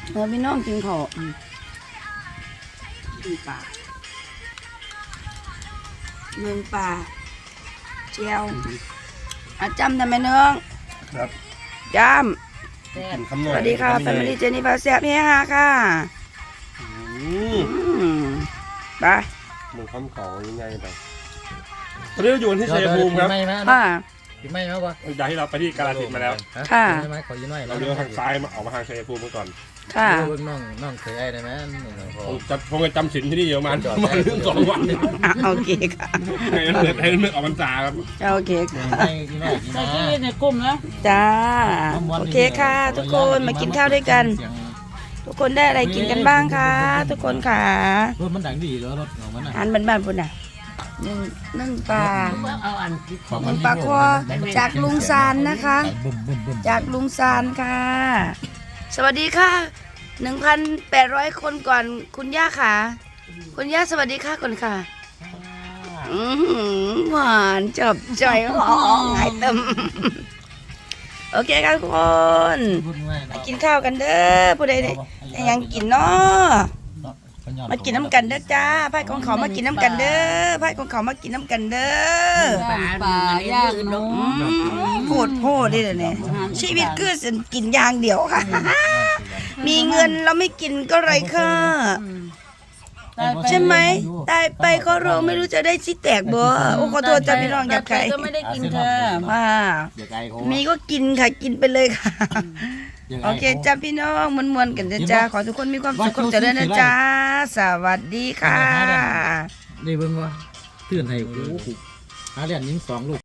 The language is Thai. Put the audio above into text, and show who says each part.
Speaker 1: พี่น้องกินข้าวกินปลาเมืองปลาเจียวจำได้ไหมน้อง
Speaker 2: ครับ
Speaker 1: จำสวัสดีค่ะแฟมิลี่เจนี่พาแซ่บเฮียฮาค่ะไป
Speaker 2: มึงคำเขายังไงไปตอนนี้เราอยู่ที่ชัยภูมิครับ
Speaker 1: ค่ะ
Speaker 3: ไม่ครับวะ
Speaker 2: จากที่เราไปที่กาฬสินธุ์มาแล้ว
Speaker 1: ค่ะ
Speaker 3: ขอยืนหน่อย
Speaker 2: เราเลี้ยวทางซ้ายมาออกมาทางชัยภูมิก่อน
Speaker 1: ค่ะ
Speaker 3: น้องเคยได้ไหม
Speaker 2: คงจะจำศีลที่นี่เยอะมัน2 วัน
Speaker 1: โอเคค่ะ
Speaker 2: ให้นึกออกพรรษาครับ
Speaker 1: โอเคค่ะ
Speaker 3: ใส่ที่
Speaker 4: ในกลุ่มนะ
Speaker 1: จ้าโอเคค่ะทุกคนมากินข้าวด้วยกันทุกคนได้อะไรกินกันบ้างคะทุกคนค่ะ
Speaker 3: รถมันดังดีแล้วรถของมัน
Speaker 1: อาหารบ้านๆพุ่นน่ะนึ่งปลานึ่งปลาคอจากลุงซานนะคะจากลุงซานค่ะสวัสดีค่ะ 1,800 คนก่อนคุณย่าค่ะคุณย่าสวัสดีค่ะก่อนค่ะหวานจับใจหอมหายเต็มโอเคค่ะทุกคนมากินข้าวกันเด้อผู้ใดยังกินเนาะมากินน้ำกันเด้อจ้าไพ่ของเขามากินน้ำกันเด้อไพ่ของเขามากินน้ำกันเด้อ
Speaker 4: ปลาย่างเนาะ
Speaker 1: โพดได้เลยเนี่ยชีวิตคือกินอย่างเดียวค่ะมีเงินเราไม่กินก็ไรค่ะใช่ไหมตายไปก็เราไม่รู้จะได้ชิแตกบ่โอ้ขอโทษจ้าพี่น้องอยากใคร
Speaker 4: ก็ไม่ได้กินค่ะ
Speaker 1: ว่ามีก็กินค่ะกินไปเลยค่ะโอเคจ้าพี่น้องมวนๆกันจ้าขอทุกคนมีความสุขความเจริญนะจ้าสวัสดีค่ะ
Speaker 3: นี่เบิ่งว่าเตือนให้หาเรียนยิง2 ลูก